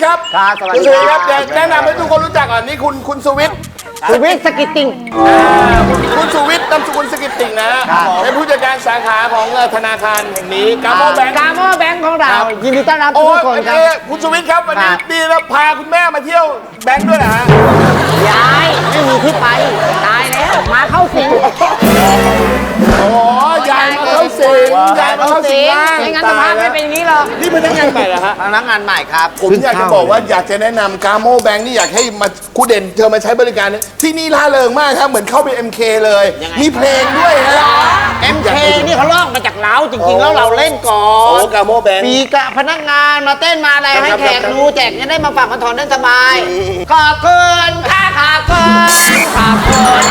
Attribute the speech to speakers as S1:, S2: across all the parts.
S1: ครับคุณสุวิทย์ครับแนะนำให้ทุกคนรู้จักก่อนนี่คุณสุวิทย์
S2: สกิตติ้ง
S1: คุณสุวิทย์นามสกุลสกิตติ่งนะเป็นผู้จัดการสาขาของธนาคารแห่งนี้กาโมแบงค์
S2: ของเรายินดีต้อนรับทุกคนครับ
S1: คุณสุวิทย์ครับวันนี้ดีแล้วพาคุณแม่มาเที่ยวแบงค์ด้วยนะฮะ
S2: ยายไม่มีที่ไปตายแล้วมาเข้าสิง
S1: โอ้ยายมาเข้าสิง
S2: ไม่งั้นสภาพไม่เป็นอย่างนี้หรอก
S1: นี่พนักงานใหม่เหรอฮะ
S2: พนักงานใหม่ครับ
S1: ผมอยากจะบอกว่าอยากจะแนะนำกาโมแบงค์นี่อยากให้มาคุณเด่นเธอมาใช้บริการที่นี่ล่าเริงมากครับเหมือนเข้าไป MK เลยมีเพลงด้วยนะ
S2: MK นี่เขาลอกมาจากเราจริงๆแล้วเราเล่นก่อน
S1: โอ้กาโมแบงค์
S2: มีกะพนักงานมาเต้นมาอะไรให้แขกดูแจกจะได้มาฝากมาถอนได้สบายขอบคุณค่ะขอบคุณ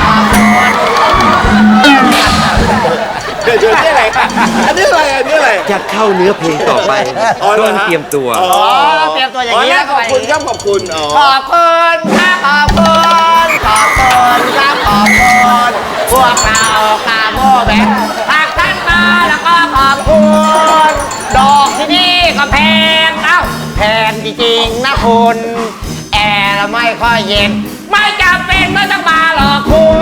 S1: เดี๋ยวนี่อะไรอันนี้อะไร
S3: จะเข้าเนื้อเพลงต่อไปต้องเตรียมตัว
S2: เตรียมตัวอย่างนี้
S1: ขอบคุณครับขอบคุณ
S2: ค่ะขอบคุณพวกเรากาโมแบงค์หากท่านมาแล้วก็ขอบคุณดอกที่นี่ก็แพงแพงจริงๆนะคุณแอร์ไม่ค่อยเย็นไม่จำเป็นไม่ต้องมาหรอกคุณ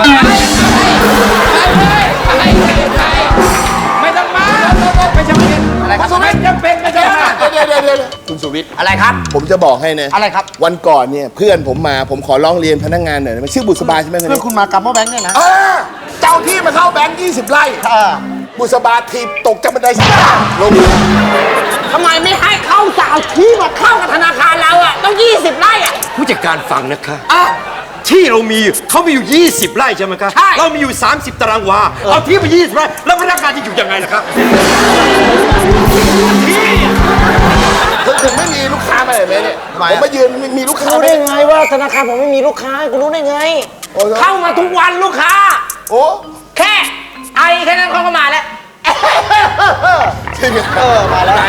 S2: ไม่ต้องมาไม่จำเป็นอะไรครับไม่จำเป็นไม่จำเป็น
S1: เดี๋ยวคุณสุวิทย์
S2: อะไรครับ
S1: ผมจะบอกให้นะ
S2: อะไรครับ
S1: วันก่อนเนี่ยเพื่อนผมมาผมขอร้องเรียนพนักงานหน่อยมันชื่อบุษบาใช่ไหม
S2: เพื่อนคุณมากาโมแบงค์เนี่ยนะ
S1: เจ้าที่มาเข้าแบงค์20 ไร่บุษบาทีตกจากบันไดลง
S2: ทำไมไม่ให้เข้าเจ้าที่มาเข้ากับธนาคารเราต้อง20 ไร่
S3: ผู้จัดการฟังนะคะที่เรามีเขามีอยู่20 ไร่ใช่ไหมครับเรามีอยู่30 ตารางวาเอาที่ไป20 ไร่แล้วพนักงานจะอยู่ยังไงล่ะครับ
S1: ถึงไม่มีลูกค้ามาเลยไหมเนี่ยผมมายืนมีลูกค้า
S2: รู้ได้ไงว่าธนาคารผมไม่มีลูกค้าคุณรู้ได้ไงเข้ามาทุกวันลูกค้า
S1: โอ้
S2: แค่ไอแค่นั้นเขาก็มาแล้ว
S1: จริง
S2: มาแล้ว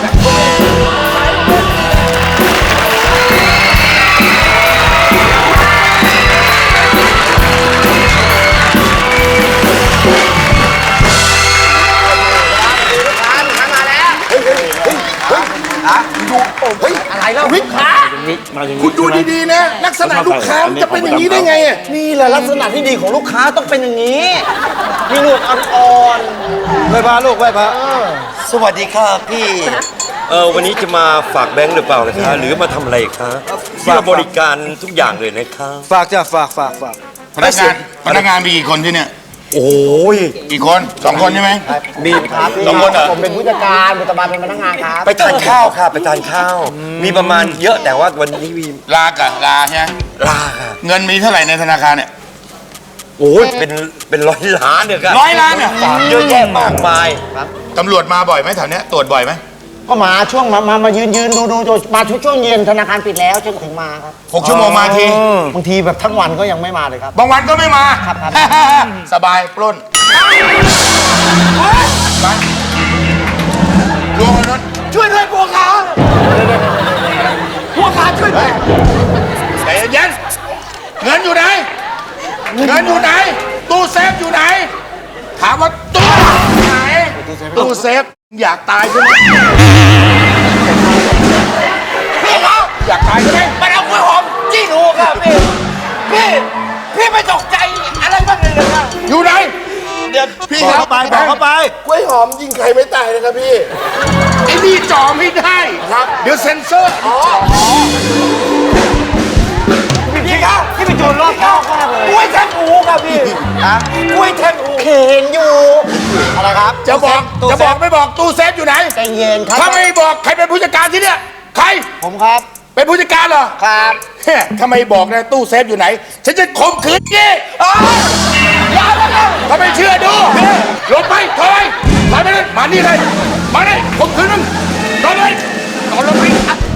S2: อะไรแล้ว
S1: ลูกค้าคุณดูดีๆนะลักษณะลูกค้าจะเป็นอย่างนี้ได้ไง
S2: นี่แหละลักษณะที่ดีของลูกค้าต้องเป็นอย่างนี้มีหนวดอ่อน
S3: ๆไหว้พระลูกไหว้พระสวัสดีค่ะพี่วันนี้จะมาฝากแบงค์หรือเปล่านะคะหรือมาทำอะไรคะที่เราบริการทุกอย่างเลยนะคะ
S4: ฝากจ้ะฝาก
S1: พนักงานมีกี่คนที่เนี่ย
S3: โอ้ย
S1: กี่คน2 คนใช่ไหม
S3: มี
S1: 2 คนเหรอ
S2: ผมเป็นผู้จัดการบุตรบาลเป็นพนักงานครับ
S3: ไปทานข้าวค่ะไปทานข้าวมีประมาณเยอะแต่ว่าวันนี้มี
S1: ลใช่ไหม
S3: ลาค่ะ
S1: เงินมีเท่าไหร่ในธนาคารเนี่ย
S3: โอ้ยเป็น100 ล้านเนี่ยครับ
S1: 100 ล้านเนี่ย
S3: ฝากเยอะแยะมากมาย
S1: ตำรวจมาบ่อยไหมแถวเนี้ยตรวจบ่อยไหม
S2: ก็มาช่วงมายืนดูมาช่วงเย็นธนาคารปิดแล้วถึงมาครับ
S1: 6 ชั่วโมงมาที
S2: บางทีแบบทั้งวันก็ยังไม่มาเลยครับ
S1: บางวันก็ไม่มา
S2: ครับ
S1: สบายปล้นไปลงรถ
S2: ช่วยด้วยพวกขาช่วยด้วย
S1: ใจเย็นเงินอยู่ไหนตู้เซฟอยู่ไหนถามว่าตู้ไหนตู้เซฟอยากตายใช่ไหม
S2: พี่เขา
S1: อยากตายใช่ไหม
S2: มันเอากล้วยหอมจี้หนูครับพี่ไม่ตกใจอะไรบ้างเลยนะครับ
S1: อยู่ไหน
S4: เดี๋ยวพี่บอกเข้าไป
S1: กล้วยหอมยิงใครไม่ตายนะครับพี่ไอ้นี่จ่อไม่ได้ครับเดี๋ยวเซ็นเซอร์
S2: พี่ครับพี่ไปโจรรอบข้าวมากเลยกล้วยแทงหูครับพี่กล้วยแทงหูเห็นอยู่อะไรครับ
S1: จะบอกไม่บอกตู้เซฟอยู่ไหน
S2: ใจเย็นครับ
S1: ถ้าไม่บอกใครเป็นผู้จัดการที่เนี่ยใคร
S2: ผมครับ
S1: เป็นผู้จัดการเหรอ
S2: ครับ
S1: ถ้าไม่บอกนะตู้เซฟอยู่ไหนฉันจะข่มขืนยี่ถ้าไม่เชื่อดูลงไปถอยไปเลยมานี่เลยมาเลยข่มขืนมึงนอนเลยนอนลงไป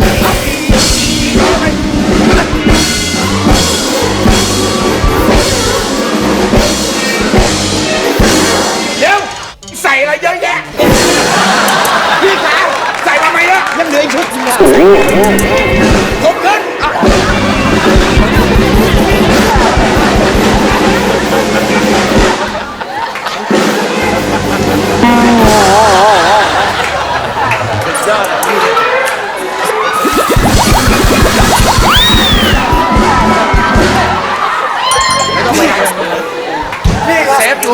S1: เดี๋ยวใส่อะไรเยอะแยะพี่ขาใส่มาไหมล่ะ
S2: ยังเหลืออีกชุดนึง
S1: ข่มขืน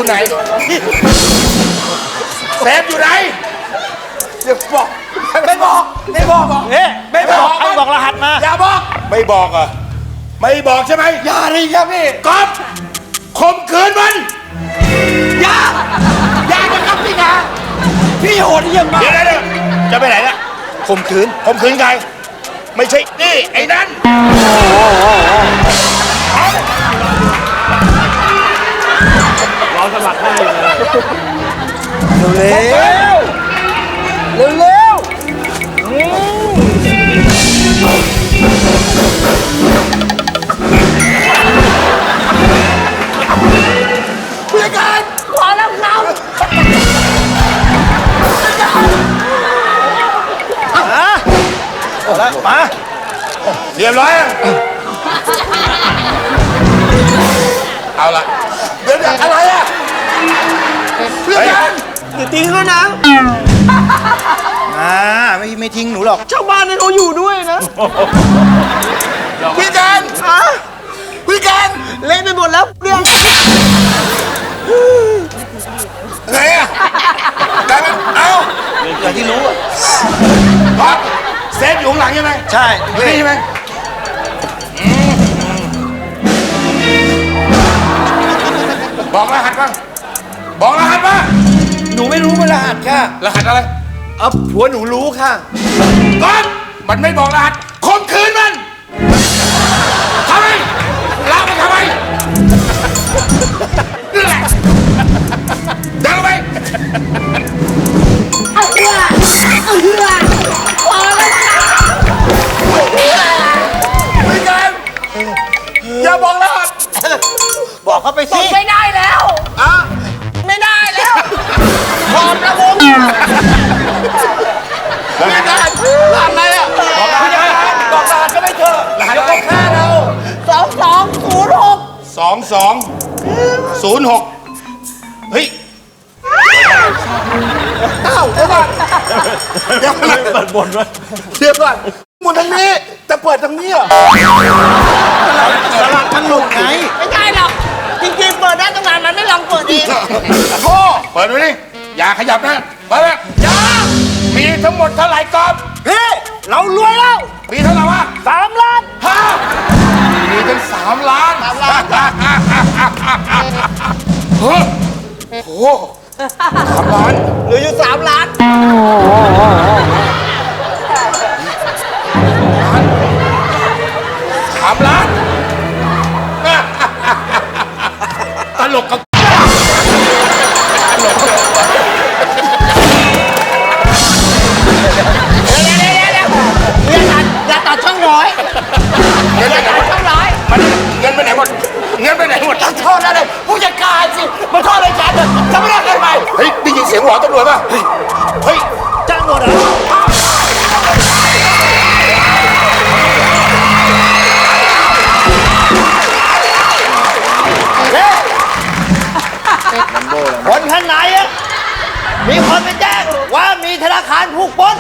S1: ไหนเซฟอยู่ไหนอย่าบอกไม่บอกไม่บอก
S4: เอ๊ะไม่บอกให้บอกรหัสมา
S1: อย่าบอกไม่บอกอ่ะไม่บอกใช่ไหมอย่าเลยครับพี่ก๊อฟข่มขืนมันอย่านะครับพี่นาพี่โหดเยี่ยมมากเดี๋ยวจะไปไหนล่ะข่มขืนใครไม่ใช่นี่ไอ้นั่น
S4: รอสมัครได้เลย
S1: เร็วผู้จัดการขอรับน้ำ
S4: แล้วมา
S1: เรียบร้อยอะเอาละเดี๋ยวอะไรอ่ะเพื่อนกัน
S4: อย่าทิ้งแล้วนะไม่ทิ้งหนูหรอก
S2: ชาวบ้านนี่เขาอยู่ด้วยนะ
S1: พี่กันพี่กัน
S2: เล่นไปหมดแล้วเรื่อง
S1: ไงอ่ะกลายเป็นเอา
S4: อย่างที่รู้อะ
S1: ครับเซฟอยู่ข้างหลังใช่ไหม
S4: ใช่
S1: อยู่นี่ใช่ไหมบอกรหัสบ้างบอกรหัสบ้าง
S4: หนูไม่รู้ว่ารหัสค่ะ
S1: รหัสอะไร
S4: ผัวหนูรู้ค่ะ
S1: ก่อนมันไม่บอกรหัสข่มขืนมันทำไมลากมันทำไมนี่แหละเดินไปเอาเรือพอแล้วไม่กันอย่าบอกรหัส
S4: บอกเขาไปสิ
S2: ไม่ได้แล้วไม่ได้แล้วพร้อมแล้วผม
S1: ไม่ได้รหัสอะไรอ่ะบอกรหัสบอกรหัสก็ไม่เถอะรหัสก็ฆ่าเรา 2206เฮ้ยเอ้าเดี๋ยวก่อนเดี๋ยวก่อน
S4: เปิดบนไว้
S1: เดี๋ยวก่อนหมุนทางนี้แต่เปิดทางนี้เหรอ
S4: สลัดมันหลุดไง
S2: ไม่ได้หรอกจริงๆเปิดได้ตั้งนานมันไม่ลองเปิดเอง
S1: โอ้เปิดดูดิอย่าขยับนะเปิดเลยอย่ามีทั้งหมดเท่าไหร่กอบ
S4: พี่เรารวยแล้ว
S1: มีเท่าไหร่วะ
S4: 3 ล้าน
S1: ฮะมีถึง3 ล้านเฮ้ยโอ้โห3 ล้าน
S2: เหลืออยู่3 ล้าน
S1: 3 ล้านตลกกับ
S2: อย่าตัดช่องร้อย
S1: เงินไปไหนหมด
S2: ช่องร้อย
S1: เงินไปไหนหมดเงินไปไหนหมด
S2: โทษนะเลยผู้จัดการสิมาโทษอะไรฉันจะไม่ได้เกินไป
S1: เฮ้ยได้ยินเสียงหวอตำรวจป่ะเฮ้ย
S4: จ้างหมดเหรอคนข้างในอะมีคนไปแจ้งว่ามีธนาคารถูกปล้น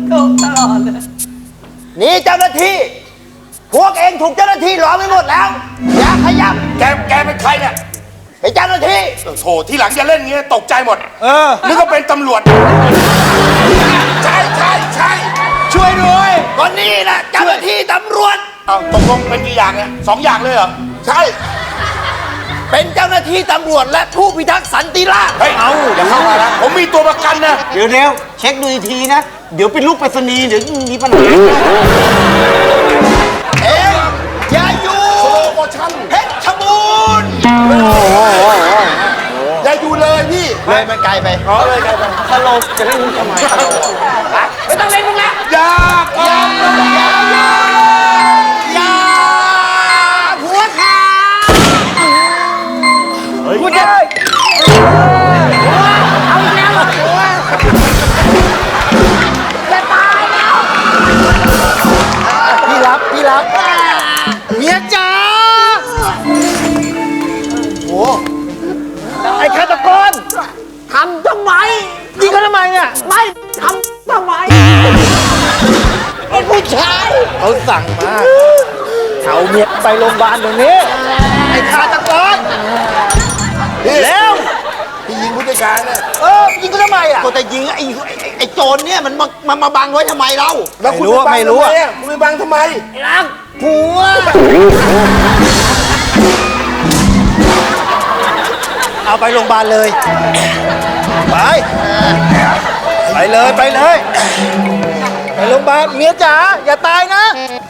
S4: นี่เจ้าหน้าที่ พวกเองถูกเจ้าหน้าที่ล้อมไปหมดแล้ว อย่าขยับ
S1: แกเป็นใครเนี่ย
S4: ไอ้เจ้าหน้าที่
S1: โถที่หลังอย่าเล่นอย่างเงี้ยตกใจหมด นึกว่าเป็นตำรวจ ใช่ช่วยด้วย
S4: ก็นี่แหละเจ้าหน้าที่ตำรวจ
S1: เอาตกลงเป็นกี่อย่างเนี่ย2 อย่างเลยเหรอ ใช่
S4: เป็นเจ้าหน้าที่ตำรวจและผู้พิทักษ์สันติราษฎร์
S1: เฮ้ยอย่าเข้ามานะผมมีตัวประกันนะ
S2: เดี๋ยวเช็คดูอีกทีนะ เดี๋ยวเป็นลูกไปรษณีย์เดี๋ยวมีปัญหา
S4: เอ๊ะอย่าอยู่
S1: โปรโมชั่น
S4: เพชรบูรณ์
S1: อย่าอยู่เลยพี่
S4: เลยมันไกลไป
S1: เลยไงไป
S2: สโลว์จะเล่นมุกทำไมไม่ต้องเล่นมุกแล้ว
S1: อย่า
S2: หัวขาคุณจะเอาอีกแล้วจะตายแล้ว
S4: พี่รับเมียจ๋าโอ้ไอ้ฆาตกร
S2: ทำทำไม
S4: ยิงเขาทำไมเนี่ย
S2: ไม่ทำทำไมเป็นผู้ชาย
S4: เขาสั่งมาเอาเมียไปโรงพยาบาลตรงนี้ ไอ้ฆาตกรเร็ว
S1: การเนี่ย
S4: ยิงก็ทำไมอ่ะก็จะยิงไอ้โจรเนี่ยมันมาบังไว้ทำไมเรา
S1: แล้วคุณไปบังทำไมอะคุณไปบังทำไม
S4: รักผัวเอาไปโรงพยาบาลเลยไปเลยไปโรงพยาบาลเมียจ๋าอย่าตายนะ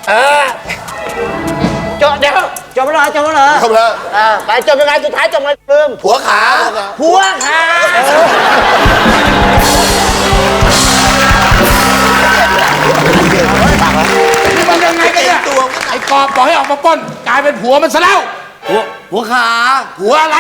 S4: เดี๋ยวจบแล้วเหรอ
S1: จบแล้ว
S4: ไปจบยังไงสุดท้ายจบไงลืม
S1: ผัวขา
S4: ผัวค่ะ
S1: นี่มันยังไงกันเนี่ยไอ้กอบบอกให้ออกมาปล้นกลายเป็นผัวมันซะแล้ว
S4: ผัวขา
S1: ผัวอะไร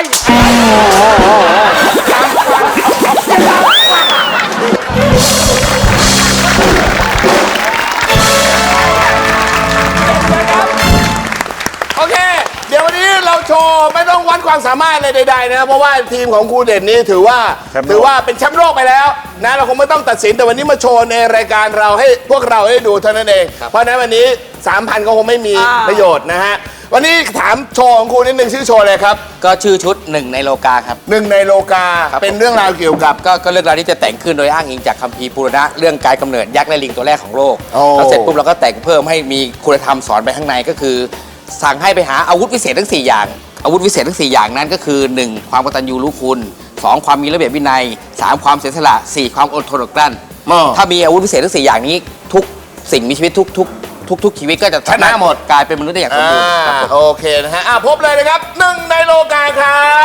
S1: โอเค เดี๋ยววันนี้เราโชว์ไม่ต้องวัดความสามารถอะไรใดๆนะครับเพราะว่าทีมของครูเด่นนี้ถือว่าเป็นแชมป์โลกไปแล้วนะเราคงไม่ต้องตัดสินแต่วันนี้มาโชว์ในรายการเราให้พวกเราได้ดูเท่านั้นเองเพราะฉะนั้นวันนี้ 3,000 ก็คงไม่มีประโยชน์นะฮะวันนี้ถามโชว์ของครูนิดนึงชื่อโชว์อะไรครับ
S5: ก็ชื่อชุด1ในโลกาครับ
S1: 1ในโลกาเป็นเรื่องราวเกี่ยวกับ
S5: ก็เรื่องราวที่จะแต่งขึ้นโดยอ้างอิงจากคัมภีร์ปุรณะเรื่องการกำเนิดยักษ์และลิงตัวแรกของโลก
S1: โอ้
S5: แล้วเสร็จปุ๊บเราก็แต่งเพิ่มให้มีคุณธรรมสอนไปข้างในก็คือ สั่งให้ไปหาอาวุธวิเศษทั้ง4อย่างอาวุธวิเศษทั้ง4อย่างนั้นก็คือ 1. ความกตัญญูรู้คุณ2. ความมีระเบียบวินัย 3. ความเสียสละ 4. ความอดทนอดกลั้นถ้ามีอาวุธวิเศษทั้ง4อย่างนี้ทุกสิ่งมีชีวิตทุกชีวิตก็จะ
S1: ชนะหมด
S5: กลายเป็นมนุษย์ได้อย่างสมบูรณ์ครับผม
S1: โอเคนะฮะพบเลยนะครับ1ในโลกาครับ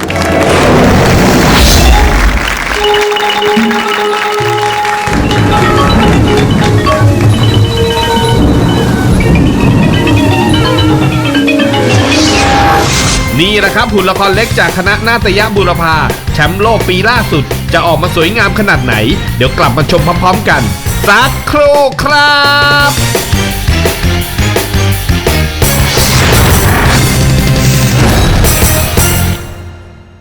S6: นี่แหละครับหุ่นละครเล็กจากคณะนาฏยบุรพาแชมป์โลกปีล่าสุดจะออกมาสวยงามขนาดไหน เดี๋ยวกลับมาชมพร้อมๆกันสักครู่ครับ